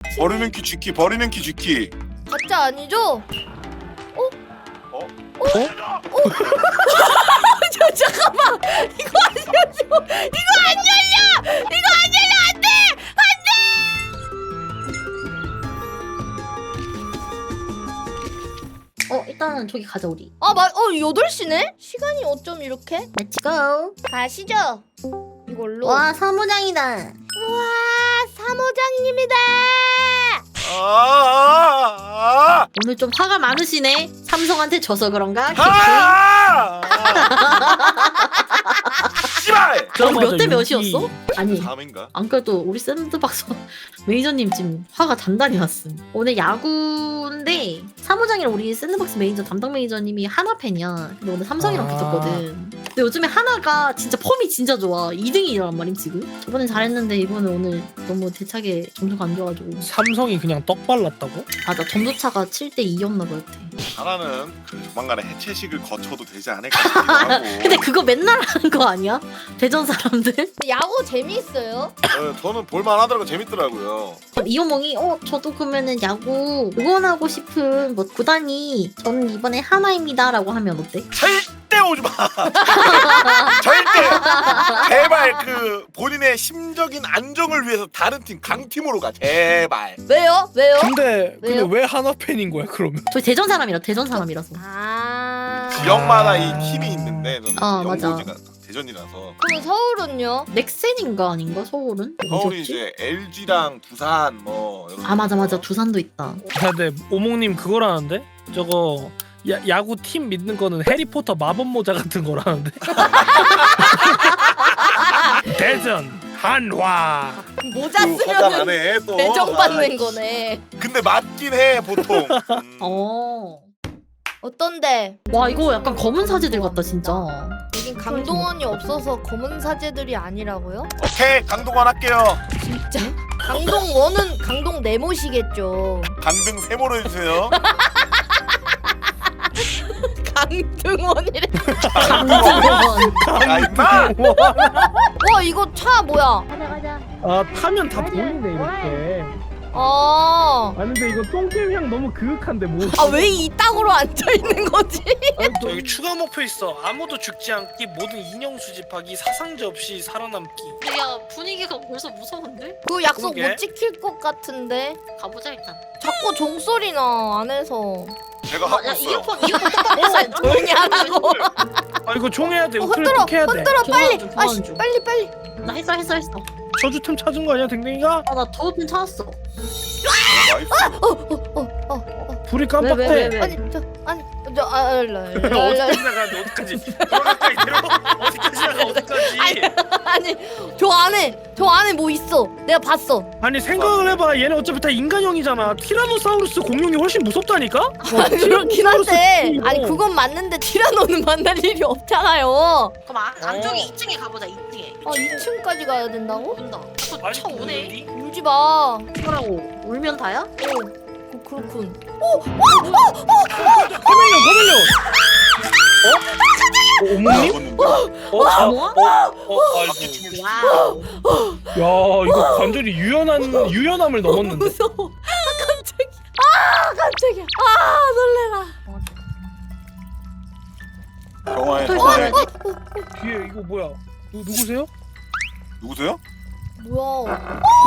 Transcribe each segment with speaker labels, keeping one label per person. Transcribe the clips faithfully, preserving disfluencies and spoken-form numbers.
Speaker 1: 버리는 키 쥐키 버리는 키 쥐키.
Speaker 2: 가짜 아니죠?
Speaker 1: 어?
Speaker 2: 어? 저 잠깐만 이거 안 열려 이거 안 열려 이거 안 열려 안돼
Speaker 3: 어 일단은 저기 가자 우리.
Speaker 2: 아맞어 여덟 시네? 시간이 어쩜 이렇게?
Speaker 3: 렛츠고.
Speaker 2: 가시죠 이걸로
Speaker 3: 와 사무장이다.
Speaker 2: 우와 사모장님이다
Speaker 1: 아, 아, 아,
Speaker 3: 오늘 좀 화가 많으시네. 삼성한테 져서 그런가?
Speaker 1: 아, 씨발.
Speaker 3: 그럼 몇 대 몇이었어? 아니
Speaker 1: 삼인가?
Speaker 3: 안 그래도 우리 샌드박스 매니저님 지금 화가 단단히 났음. 오늘 야구인데 사무장이랑 우리 샌드박스 매니저 담당 매니저님이 하나 팬이야. 근데 오늘 삼성이랑
Speaker 4: 아.
Speaker 3: 붙었거든. 근데 요즘에 하나가 진짜 폼이 진짜 좋아. 이 등이란 말임 지금. 저번엔 잘했는데 이번에 오늘 너무 대차게 점수가 안 좋아가지고.
Speaker 4: 삼성이 그냥 떡 발랐다고?
Speaker 3: 맞아 점수차가 칠 대 이였나 봐 여태.
Speaker 1: 하나는 그 조만간에 해체식을 거쳐도 되지 않을까 싶기도 하고.
Speaker 3: 근데 그거 맨날 하는 거 아니야? 대전 사람들?
Speaker 2: 야구 재미있어요?
Speaker 1: 어, 저는 볼만하더라고 재밌더라고요.
Speaker 3: 이호몽이 어 저도 그러면은 야구 응원하고 싶은 뭐 구단이 저는 이번에 하나입니다 라고 하면 어때?
Speaker 1: 절대 오지 마. 절대. 제발 그 본인의 심적인 안정을 위해서 다른 팀 강팀으로 가. 제발.
Speaker 2: 왜요? 왜요?
Speaker 4: 근데
Speaker 2: 왜요?
Speaker 4: 근데 왜 하나 팬인 거야 그러면?
Speaker 3: 저희 대전 사람이라 대전 사람이라서.
Speaker 2: 아
Speaker 1: 지역마다 이 팀이 있는데 저는
Speaker 3: 어, 맞아.
Speaker 1: 연고지가 대전이라서.
Speaker 2: 그럼 서울은요?
Speaker 3: 넥센인가 아닌가 서울은?
Speaker 1: 서울이
Speaker 3: 어디였지?
Speaker 1: 이제 엘지랑 두산 뭐 이런.
Speaker 3: 아 맞아 맞아 두산도 있다.
Speaker 4: 야, 근데 오목님 그거라는데? 저거 야, 야구 팀 믿는 거는 해리포터 마법 모자 같은 거라는데? 대전 한화.
Speaker 2: 모자
Speaker 1: 그 화장
Speaker 2: 쓰면은
Speaker 1: 안에 또.
Speaker 2: 배정받는
Speaker 1: 아,
Speaker 2: 거네
Speaker 1: 근데 맞긴 해 보통. 음.
Speaker 3: 어.
Speaker 2: 어떤데?
Speaker 3: 와 이거 약간 검은 사제들 같다 진짜.
Speaker 2: 여긴 강동원이 없어서 검은 사제들이 아니라고요?
Speaker 1: 오케이 강동원 할게요.
Speaker 2: 진짜? 강동원은 강동 네모시겠죠
Speaker 1: 강등 세모로 해주세요.
Speaker 2: 강등원이래
Speaker 3: 강등원.
Speaker 1: 야 임마.
Speaker 2: 와 이거 차 뭐야
Speaker 3: 가자 가자.
Speaker 4: 아 타면 다 보이네 이렇게.
Speaker 2: 아...
Speaker 4: 아 근데 이거 똥겜 향 너무 그윽한데 뭐?
Speaker 2: 아 왜 이 땅으로 앉아있는 거지?
Speaker 4: 저 여기 추가 목표 있어. 아무도 죽지 않기, 모든 인형 수집하기, 사상자 없이 살아남기.
Speaker 3: 야 분위기가 벌써 무서운데?
Speaker 2: 그 약속
Speaker 4: 그러게.
Speaker 2: 못 지킬 것 같은데
Speaker 3: 가보자 일단.
Speaker 2: 자꾸 종소리 나 안에서
Speaker 1: 제가 하고
Speaker 3: 야
Speaker 1: 있어요.
Speaker 3: 이어폰 이어폰 똑바로 써.
Speaker 2: 조용히 하라고
Speaker 4: 아 이거 종해야 돼.
Speaker 2: 어,
Speaker 4: 우클릭
Speaker 2: 흔들어
Speaker 4: 꼭 해야 돼.
Speaker 2: 흔들어 빨리
Speaker 3: 교환 중,
Speaker 2: 아씨
Speaker 3: 교환 중.
Speaker 2: 빨리 빨리
Speaker 3: 나 했어 했어 했어.
Speaker 4: 저주템 찾은 거 아니야, 댕댕이가?
Speaker 3: 아나 저것좀 찾았어.
Speaker 1: 나이스.
Speaker 2: 어어어어어
Speaker 4: 불이
Speaker 3: 왜,
Speaker 4: 깜빡대.
Speaker 3: 왜, 왜?
Speaker 2: 아니 저 아니 저 아, 아, 라, 라, 라,
Speaker 4: 어디까지 나가는데 어디까지? 어디까지 내려? 어디까지 나가 어디까지?
Speaker 2: 아니 저 안에 저 안에 뭐 있어 내가 봤어
Speaker 4: 아니 생각을 해봐. 얘네 어차피 다 인간형이잖아. 티라노사우루스 공룡이 훨씬 무섭다니까?
Speaker 2: 아니 그렇긴 한데
Speaker 4: 이거.
Speaker 2: 아니 그건 맞는데 티라노는 만날 일이 없잖아요
Speaker 3: 그럼 안,
Speaker 4: 안쪽에
Speaker 3: 이 층에 가보자 이 층에.
Speaker 2: 아 이 층까지 가야 된다고?
Speaker 3: 온다.
Speaker 4: 아니,
Speaker 3: 차 오네.
Speaker 4: 어디?
Speaker 2: 울지 마 어,
Speaker 3: 뭐라고? 울면 다야?
Speaker 2: 그, 그렇군
Speaker 4: 거멜려 거멜려. 어? 어? 어머님? 어? 아,
Speaker 3: 어머?
Speaker 4: 어?
Speaker 1: 바퀴
Speaker 4: 아이고.
Speaker 1: 춤을 추.
Speaker 3: 와우.
Speaker 4: 야 이거 관절이 유연한 유연함을 넘었는데.
Speaker 2: 무서워 아 깜짝이야 아 깜짝이야 아 놀래라
Speaker 1: 경화에
Speaker 3: 또
Speaker 1: 경화에
Speaker 4: 뒤에 이거 뭐야? 누, 누구세요?
Speaker 1: 누구세요?
Speaker 2: 뭐야
Speaker 4: 어? 어?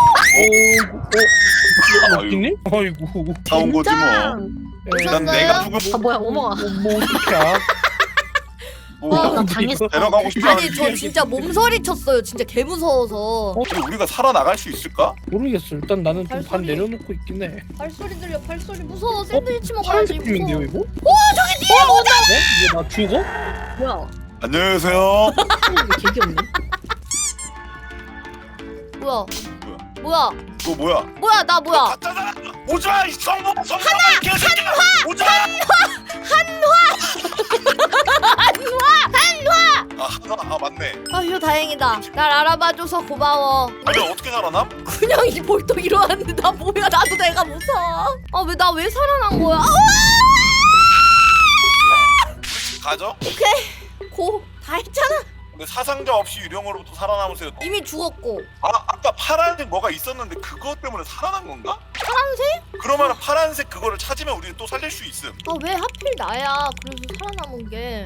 Speaker 1: 아유.
Speaker 4: 막기님? 아이고.
Speaker 1: 사온 거지 뭐.
Speaker 4: 예.
Speaker 1: 난
Speaker 2: 오셨어요?
Speaker 1: 내가 누구
Speaker 3: 아 뭐야 어머가.
Speaker 4: 뭐, 뭐 어떻게 알아?
Speaker 1: 뭐
Speaker 3: 와, 나 당했어.
Speaker 1: 데려가고 싶지
Speaker 2: 아니
Speaker 1: 않은데
Speaker 2: 저 진짜 몸서리 쳤어요 진짜 개무서워서
Speaker 1: 근데 우리가 살아나갈 수 있을까?
Speaker 4: 모르겠어. 일단 나는 좀 반
Speaker 2: 발소리.
Speaker 4: 내려놓고 있긴 해.
Speaker 2: 발소리 들려 발소리 무서워 샌드위치 먹어야지
Speaker 4: 파란색 팀인데요
Speaker 2: 무서워
Speaker 4: 이거?
Speaker 2: 오 저기 뒤에
Speaker 4: 어? 이게 나 죽어?
Speaker 3: 뭐야?
Speaker 1: 안녕하세요.
Speaker 3: 개 귀엽네.
Speaker 2: 뭐야
Speaker 1: 뭐야?
Speaker 2: 뭐야
Speaker 1: 너 뭐야?
Speaker 2: 뭐야 나 뭐야
Speaker 1: 가짜잖아. 오지마 이 성공 성공. 하나 한화 오지마. 아 한화 아 맞네.
Speaker 2: 아휴 다행이다 날 알아봐줘서 고마워
Speaker 1: 아니 어떻게 살아남?
Speaker 2: 그냥 이 벌떡 일어났는데 나 뭐야 나도 내가 무서워 아 왜 나 왜 살아난 거야 아!
Speaker 1: 가죠?
Speaker 2: 오케이 고 다 했잖아
Speaker 1: 근데 사상자 없이 유령으로부터 살아남으세요.
Speaker 2: 이미 죽었고.
Speaker 1: 아 아까 파란색 뭐가 있었는데 그것 때문에 살아난 건가?
Speaker 2: 파란색?
Speaker 1: 그러면 파란색 그거를 찾으면 우리가 또 살릴 수 있음.
Speaker 2: 아 왜 하필 나야? 그래서 살아남은 게.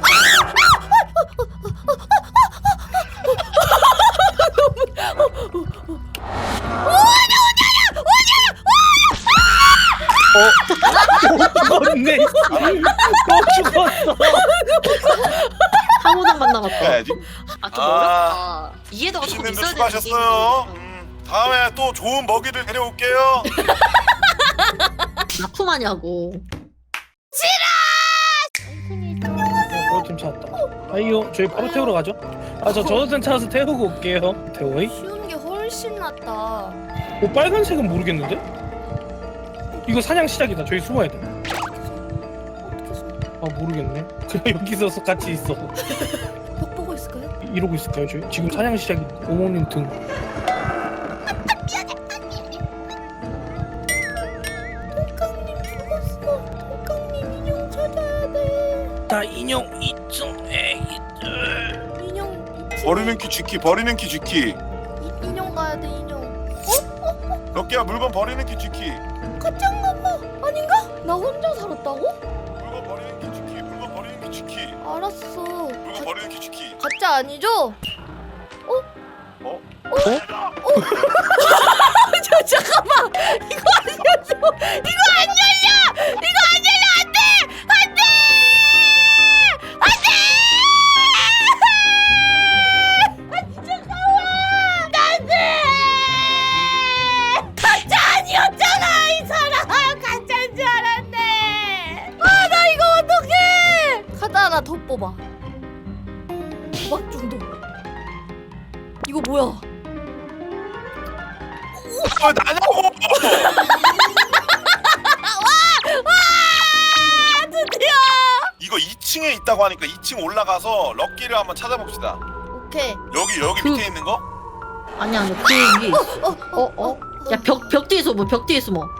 Speaker 4: 죽었네. 또 죽었어.
Speaker 3: 사모장만 남았다.
Speaker 1: 해야지.
Speaker 3: 아 좀
Speaker 1: 아.
Speaker 3: 어렵다. 이해도가 조금
Speaker 1: 피신님도
Speaker 3: 있어야 되는
Speaker 1: 수고하셨어요.
Speaker 3: 게임인데.
Speaker 1: 음, 다음에 또 좋은 먹이를 데려올게요.
Speaker 3: 납품하냐고.
Speaker 4: 버로팀 찾았다. 아이요, 저희 바로 태우러 가죠. 아, 저 저도템 찾아서 태우고 올게요. 태워이?
Speaker 2: 쉬운 게 훨씬 낫다.
Speaker 4: 어, 빨간색은 모르겠는데? 이거 사냥 시작이다. 저희 숨어야 돼.
Speaker 2: 어떻게 숨?
Speaker 4: 아, 모르겠네. 그냥 여기서 같이 있어.
Speaker 2: 벽 보고 있을까요?
Speaker 4: 이러고 있을까요, 저희? 지금 사냥 시작인데. 오모님 등.
Speaker 2: 통깡님 죽었어. 통깡님 인형 찾아야 돼.
Speaker 4: 나 인형 이 층에 있들.
Speaker 2: 인형 있지?
Speaker 1: 버리는 키 쥐키 버리는 키 쥐키.
Speaker 2: 이, 인형 가야 돼 인형.
Speaker 1: 몇 개야 물건 버리는 키 쥐키.
Speaker 2: 가짜인가 봐. 아닌가? 나 혼자 살았다고?
Speaker 1: 물건 버리는 키 쥐키. 물건 버리는 키 쥐키.
Speaker 2: 알았어.
Speaker 1: 물건
Speaker 2: 가,
Speaker 1: 버리는 키 쥐키.
Speaker 2: 가짜 아니죠?
Speaker 1: 어?
Speaker 2: 저 잠깐만. 이거 안 열려. 이거 안 열려. 이거 안 열려. 안 돼. 안 돼. 안 돼. 아 잠깐만. 안 돼. 가짜 아니었잖아 이 사람. 가짜인 줄 알았네. 아 나 이거 어떡해. 카드 하나 더 뽑아. 도박 중독. 이거 뭐야?
Speaker 1: 왜 나냐고!
Speaker 2: 아 드디어.
Speaker 1: 이거 이 층에 있다고 하니까 이 층 올라가서 럭키를 한번 찾아봅시다.
Speaker 2: 오케이.
Speaker 1: 여기 여기
Speaker 3: 그-
Speaker 1: 밑에 있는 거?
Speaker 3: 아니야 아니야 그 위에 있어.
Speaker 2: 어, 어,
Speaker 3: 어 어? 야 벽 벽 뒤에 숨어 벽 뒤에 숨어.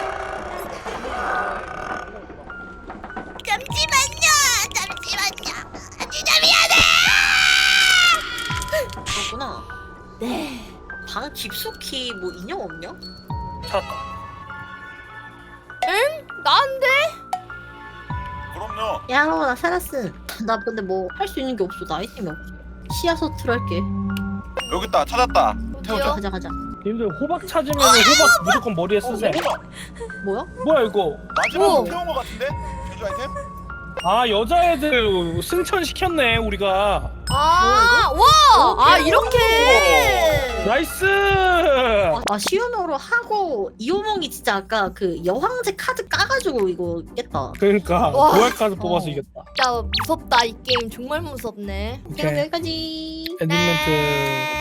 Speaker 2: 잠시만요. 잠시만요. 진짜 미안해.
Speaker 3: 그렇구나.
Speaker 2: 네.
Speaker 3: 방 깊숙이 뭐 인형 없냐?
Speaker 4: 찾았다.
Speaker 2: 나인데?
Speaker 1: 그럼요.
Speaker 3: 야 나 살았음. 나 근데 뭐 할 수 있는 게 없어. 나 아이템이 없어. 시야서트를 할게.
Speaker 1: 여기 있다. 찾았다.
Speaker 2: 어디요?
Speaker 3: 가자 가자.
Speaker 4: 님들 호박 찾으면 호박 무조건 머리에 쓰세요.
Speaker 1: 어,
Speaker 3: 뭐야?
Speaker 4: 뭐야 이거?
Speaker 1: 마지막으로
Speaker 2: 오.
Speaker 1: 태운 거 같은데? 제주 아이템?
Speaker 4: 아, 여자애들 승천 시켰네 우리가.
Speaker 2: 아, 와! 아, 이렇게!
Speaker 4: 나이스.
Speaker 3: 아 시연어로 하고 이호몽이 진짜 아까 그 여황제 카드 까가지고 이거 깼다.
Speaker 4: 그러니까
Speaker 2: 와.
Speaker 4: 고약 카드 뽑아서
Speaker 3: 어.
Speaker 4: 이겼다.
Speaker 2: 진짜 무섭다, 이 게임. 정말 무섭네.
Speaker 3: 그럼
Speaker 4: 오케이.
Speaker 3: 여기까지.
Speaker 4: 엔딩 멘트.